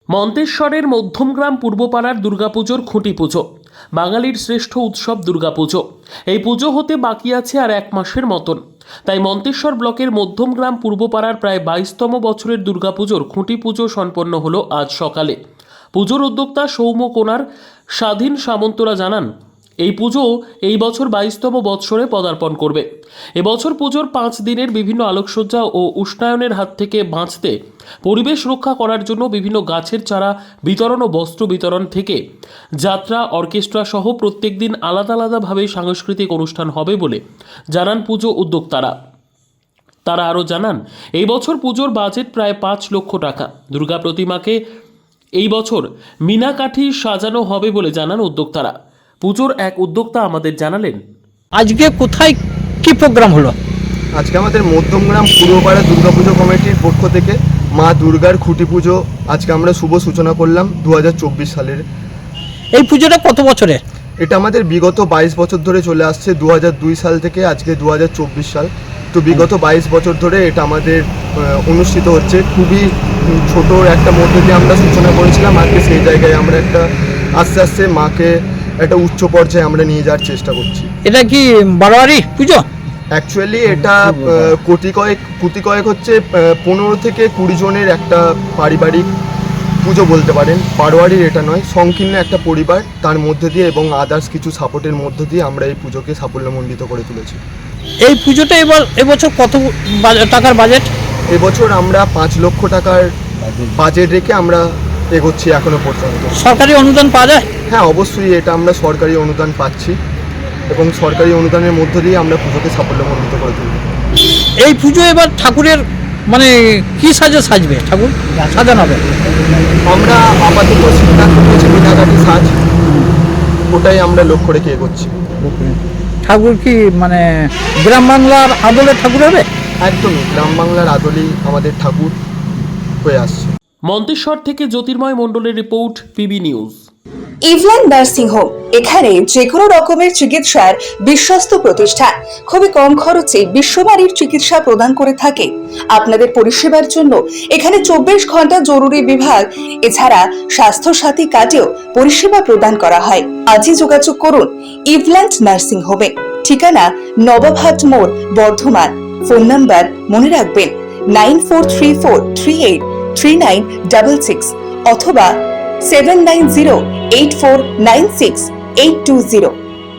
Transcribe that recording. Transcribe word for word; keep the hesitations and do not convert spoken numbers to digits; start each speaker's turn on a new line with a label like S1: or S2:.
S1: মন্তেশ্বরের মধ্যমগ্রাম পূর্বপাড়ার দুর্গাপুজোর খুঁটি পুজো, বাঙালির শ্রেষ্ঠ উৎসব দুর্গাপুজো। এই পুজো হতে বাকি আছে আর এক মাসের মতন। তাই মন্তেশ্বর ব্লকের মধ্যমগ্রাম পূর্বপাড়ার প্রায় বাইশতম বছরের দুর্গাপুজোর খুঁটি পুজো সম্পন্ন হলো আজ সকালে। পুজোর উদ্যোক্তা সৌম্য কোনার স্বাধীন সামন্তরা জানান, এই পুজো এই বছর বাইশতম বৎসরে পদার্পণ করবে। এবছর পুজোর পাঁচ দিনের বিভিন্ন আলোকসজ্জা ও উষ্ণায়নের হাত থেকে বাঁচতে পরিবেশ রক্ষা করার জন্য বিভিন্ন গাছের চারা বিতরণ ও বস্ত্র বিতরণ থেকে যাত্রা, অর্কেস্ট্রা সহ প্রত্যেক দিন আলাদা আলাদাভাবে সাংস্কৃতিক অনুষ্ঠান হবে বলে জানান পুজো উদ্যোক্তারা। তারা আরও জানান, এই বছর পুজোর বাজেট প্রায় পাঁচ লক্ষ টাকা। দুর্গা প্রতিমাকে এই বছর মিনাকাঠি সাজানো হবে বলে জানান উদ্যোক্তারা। পুজোর এক উদ্যোক্তা আমাদের জানালেন,
S2: আজকে কোথায় কি প্রোগ্রাম হলো?
S3: আজকে আমাদের মধ্যমগ্রাম পূর্বপাড়া দুর্গাপুজো কমিটির পক্ষ থেকে মা দুর্গার খুঁটি পুজো আজকে আমরা শুভ সূচনা করলাম দু হাজার চব্বিশ সালের।
S2: এই পুজোটা কত বছরে?
S3: এটা আমাদের বিগত বাইশ বছর ধরে চলে আসছে, দু হাজার দুই সাল থেকে আজকে দু হাজার চব্বিশ সাল। তো বিগত বাইশ বছর ধরে এটা আমাদের অনুষ্ঠিত হচ্ছে। খুবই ছোট একটা মধ্যে দিয়ে আমরা সূচনা করেছিলাম, আজকে সেই জায়গায় আমরা একটা আস্তে আস্তে মাকে একটা উচ্চ পর্যায়ে আমরা নিয়ে যাওয়ার চেষ্টা করছি।
S2: এটা কি বারোয়ারি পুজো?
S3: অ্যাকচুয়ালি এটা কোটি কয়েক কোটি কয়েক হচ্ছে পনেরো থেকে কুড়ি জনের একটা পারিবারিক পুজো বলতে পারেন। বারোয়ারির এটা নয়, সংকীর্ণ একটা পরিবার, তার মধ্যে দিয়ে এবং আদার্স কিছু সাপোর্টের মধ্যে দিয়ে আমরা এই পুজোকে সাফল্যমণ্ডিত করে তুলেছি।
S2: এই পুজোটা এবার এবছর কত টাকার বাজেট?
S3: এবছর আমরা পাঁচ লক্ষ টাকার বাজেট রেখে আমরা এগোচ্ছি এখনো পর্যন্ত।
S2: সরকারি অনুদান পাওয়া যায়?
S3: হ্যাঁ, অবশ্যই এটা আমরা সরকারি অনুদান পাচ্ছি এবং সরকারি অনুদানের মধ্য দিয়ে আমরা পুজোকে সাফল্যমণ্ডিত করে তুলব।
S2: এই পুজো এবার ঠাকুরের মানে কি সাজে সাজবে? ঠাকুর সাজানো হবে?
S3: আমরা আপাতত সিদ্ধান্ত নিয়েছি মিনাকাঠি সাজ, ওটাই আমরা লক্ষ্য রেখে এগোচ্ছি।
S2: ঠাকুর কি মানে গ্রাম বাংলার আদলের ঠাকুর হবে?
S3: একদমই গ্রাম বাংলার আদলেই আমাদের ঠাকুর হয়ে আসছে।
S1: মন্তেশ্বর থেকে জ্যোতির্ময় মণ্ডলের রিপোর্ট, পিবি নিউজ।
S4: ইভল্যান্ড নার্সিং হোম, এখানে যে কোনো রকমের চিকিৎসার বিশ্বস্ত প্রতিষ্ঠান। খুবই কম খরচে বিশ্বমানের চিকিৎসা প্রদান করে থাকে। আপনাদের পরিষেবার জন্য এখানে চব্বিশ ঘন্টা জরুরি বিভাগ, এছাড়া স্বাস্থ্য সাথী কার্ডেও পরিষেবা প্রদান করা হয়। আজই যোগাযোগ করুন ইভল্যান্ড নার্সিং হোমে। ঠিকানা নবাবহাট মোড়, বর্ধমান। ফোন নাম্বার মনে রাখবেন nine four three four three eight three nine double six অথবা seven nine zero eight four nine six eight two zero.